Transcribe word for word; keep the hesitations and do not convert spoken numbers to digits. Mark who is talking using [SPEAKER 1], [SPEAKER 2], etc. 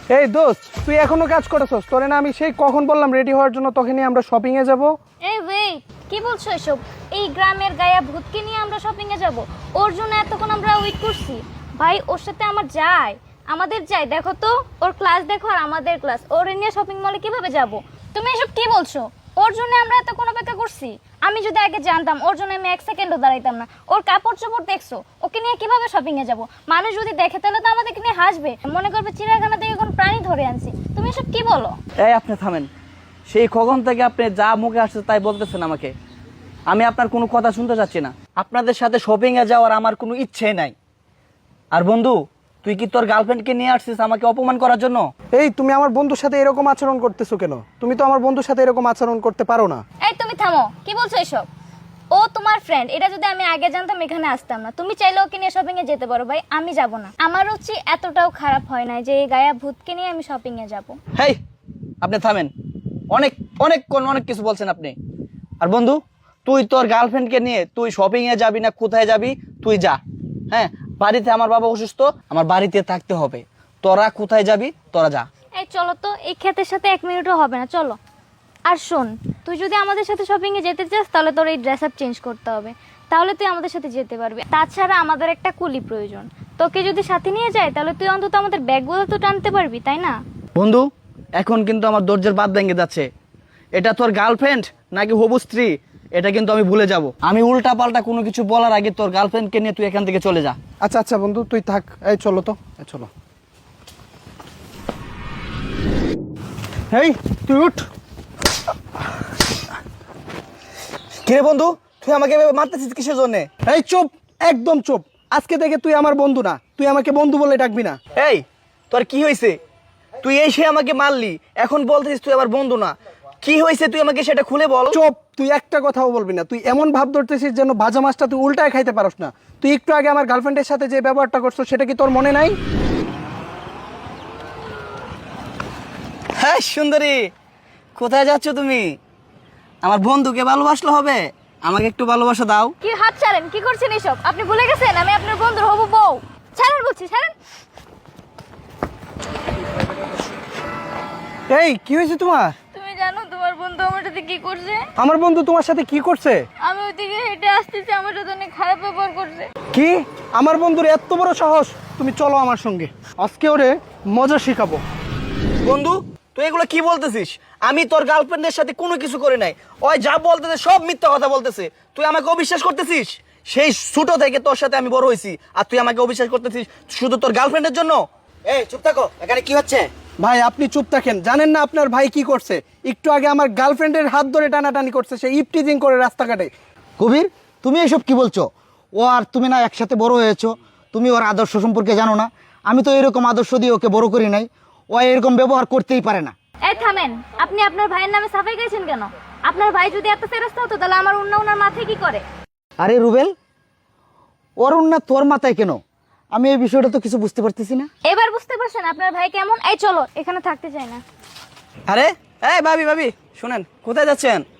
[SPEAKER 1] এই দোস্ত, তুই এখনো কাজ করতেছস? তোরে না আমি সেই কখন বললাম রেডি হওয়ার জন্য, তখনই আমরা শপিং এ যাব।
[SPEAKER 2] এই ওয়েট, কি বলছো এসব? এই গ্রামের গায়া ভূতকে নিয়ে আমরা শপিং এ যাব? ওর জন্য এতক্ষণ আমরা ওয়েট করছি। ভাই ওর সাথে আমার যায়, আমাদের যায়। দেখো তো ওর ক্লাস দেখো আর আমাদের ক্লাস। ওর নিয়ে শপিং মলে কিভাবে যাব? তুমি এসব কি বলছো? ওর জন্য আমরা এতক্ষণ অপেক্ষা করছি। আমি যদি আগে জানতাম ওর জন্য আমি এক সেকেন্ডও দাঁড়াইতাম না। ওর কাপড় চোপড় দেখছো, ওকে নিয়ে কিভাবে শপিং এ যাব? মানুষ যদি দেখে তাহলে তো আমাদেরকে নিয়ে হাসবে, মনে করবে চিড়িয়াখানা থেকে কোন প্রাণী ধরে আনছি। তুমি এসব কি বলো?
[SPEAKER 3] এই আপনি থামেন। সেই কখন থেকে আপনি যা মুখে আসছে তাই বলতেছেন আমাকে। আমি আপনার কোনো কথা শুনতে চাচ্ছি না। আপনাদের সাথে শপিং এ যাওয়ার আমার কোনো ইচ্ছে নাই। আর বন্ধু, তুই কি তোর গার্লফ্রেন্ডকে নিয়ে আসছিস আমাকে অপমান করার জন্য?
[SPEAKER 1] এই তুমি আমার বন্ধুর সাথে এরকম আচরণ করতেছো কেন? তুমি তো আমার বন্ধুর সাথে এরকম আচরণ করতে পারো না।
[SPEAKER 2] এই তুমি থামো, কি বলছো এসব? ও তোমার ফ্রেন্ড, এটা যদি আমি আগে জানতাম এখানে আসতাম না। তুমি চাইলে ওকে নিয়ে শপিং এ যেতে পারো ভাই, আমি যাব না। আমার রুচি এতটাও খারাপ হয় না যে এই গায়া ভূতকে নিয়ে আমি শপিং এ যাব।
[SPEAKER 3] হেই আপনি থামেন। অনেক অনেক কোন অনেক কিছু বলছেন আপনি। আর বন্ধু, তুই তোর গার্লফ্রেন্ডকে নিয়ে তুই শপিং এ যাবি না কোথায় যাবি তুই যা। হ্যাঁ, বাড়িতে আমার বাবা অসুস্থ, আমার বাড়িতে থাকতে হবে। তোরা কোথায় যাবি তোরা যা।
[SPEAKER 2] এই চলো তো, এই ক্ষেতের সাথে এক মিনিটও হবে না, চলো। আর শোন, তুই যদি আমাদের সাথে শপিং এ যেতে চাস তাহলে তোর এই ড্রেস আপ চেঞ্জ করতে হবে, তাহলে তুই আমাদের সাথে যেতে পারবি। তাছাড়া আমাদের একটা কুলি প্রয়োজন। তোকে যদি সাথে নিয়ে যায় তাহলে তুই অন্তত আমাদের ব্যাগগুলো তো টানতে পারবি, তাই না?
[SPEAKER 3] বন্ধু, এখন কিন্তু আমার দরজার বাদ ভেঙে যাচ্ছে। এটা তোর গার্লফ্রেন্ড নাকি হবু স্ত্রী এটা কিন্তু আমি ভুলে যাব। আমি উল্টা পাল্টা কোনো কিছু বলার আগে তোর গার্লফ্রেন্ডকে নিয়ে তুই এখান থেকে চলে যা।
[SPEAKER 1] আচ্ছা আচ্ছা বন্ধু, তুই থাক। এই চলো তো, এই চলো। এই তুই উঠ।
[SPEAKER 3] কিরে বন্ধু, তুই আমাকে এভাবে মারতেছিস কিসের জন্য?
[SPEAKER 1] এই চুপ, একদম চুপ। আজকে থেকে তুই আমার বন্ধু না, তুই আমাকে বন্ধু বলে ডাকবি না।
[SPEAKER 3] এই তোর কি হয়েছে? তুই এসে আমাকে মারলি, এখন বলতেছিস তুই আমার বন্ধু না। কি হয়েছে তুই আমাকে সেটা খুলে বল।
[SPEAKER 1] চুপ, তুই একটা কথাও বলবি না। তুই এমন ভাব ধরতেছিস যেন ভাজা মাছটা তুই উল্টায় খাইতে পারস না। তুই একটু আগে আমার গার্লফ্রেন্ডের সাথে যে ব্যবহারটা করছো সেটা কি তোর মনে নাই?
[SPEAKER 3] হ্যাঁ সুন্দরী, কোথায় যাচ্ছ তুমি? আমার বন্ধুকে ভালোবাসলে হবে, আমাকে একটু ভালোবাসা দাও।
[SPEAKER 2] কি হাত ছাড়েন, কি করছেন এসব? আপনি ভুলে গেছেন আমি আপনার বন্ধুর হবু বউ। ছাড়েন বলছি, ছাড়েন।
[SPEAKER 1] এই কি হয়েছে তোমার?
[SPEAKER 2] তুমি জানো তোমার বন্ধু আমার সাথে কি করছে?
[SPEAKER 1] আমার বন্ধু তোমার সাথে কি করছে?
[SPEAKER 2] আমি ওইদিকে হেঁটে আসতেছি, আমার সাথে অনেক খারাপ ব্যবহার করছে।
[SPEAKER 1] কি? আমার বন্ধুর এত বড় সাহস! তুমি চলো আমার সঙ্গে, আজকে ওরে মজা শেখাবো।
[SPEAKER 3] বন্ধু, তুই এগুলো কি বলতেছিস? আমি তোর গার্লফ্রেন্ডের সাথে কোনো কিছু করে নাই। ওই যা বলতেছে সব মিথ্যা কথা বলতেছে। তুই আমাকে অবিশ্বাস করতেছিস? সেই ছোট থেকে তোর সাথে আমি বড় হয়েছি, আর তুই আমাকে অবিশ্বাস করতেছিস শুধু তোর গার্লফ্রেন্ডের জন্য?
[SPEAKER 4] এই চুপ থাকো, এখানে কি হচ্ছে?
[SPEAKER 1] ভাই আপনি চুপ থাকেন। জানেন না আপনার ভাই কি করছে? একটু আগে আমার গার্লফ্রেন্ডের হাত ধরে টানাটানি করছে, সে ইপটিজিং করে রাস্তাঘাটে।
[SPEAKER 4] কবির, তুমি এসব কি বলছো? ও আর তুমি না একসাথে বড় হয়েছো, তুমি ওর আদর্শ সম্পর্কে জানো না? আমি তো এরকম আদর্শ দিয়ে ওকে বড় করি নাই। ও এরকম ব্যবহার করতেই পারে না।
[SPEAKER 2] এই থামেন, আপনি আপনার ভাইয়ের নামে সাফাই গাইছেন কেন? আপনার ভাই যদি এত ফেরস্তা হতো তাহলে আমার অন্য ওনার মাথায় কি করে?
[SPEAKER 4] আরে রুবেল, ওর না তোর মাথায় কেন? আমি এই বিষয়টা তো কিছু বুঝতে পারতেছি না।
[SPEAKER 2] এবার বুঝতে পারছেন আপনার ভাই কেমন? এই চলো, এখানে থাকতে চাই না।
[SPEAKER 3] আরে এই ভাবি ভাবি শুনেন, কোথায় যাচ্ছেন?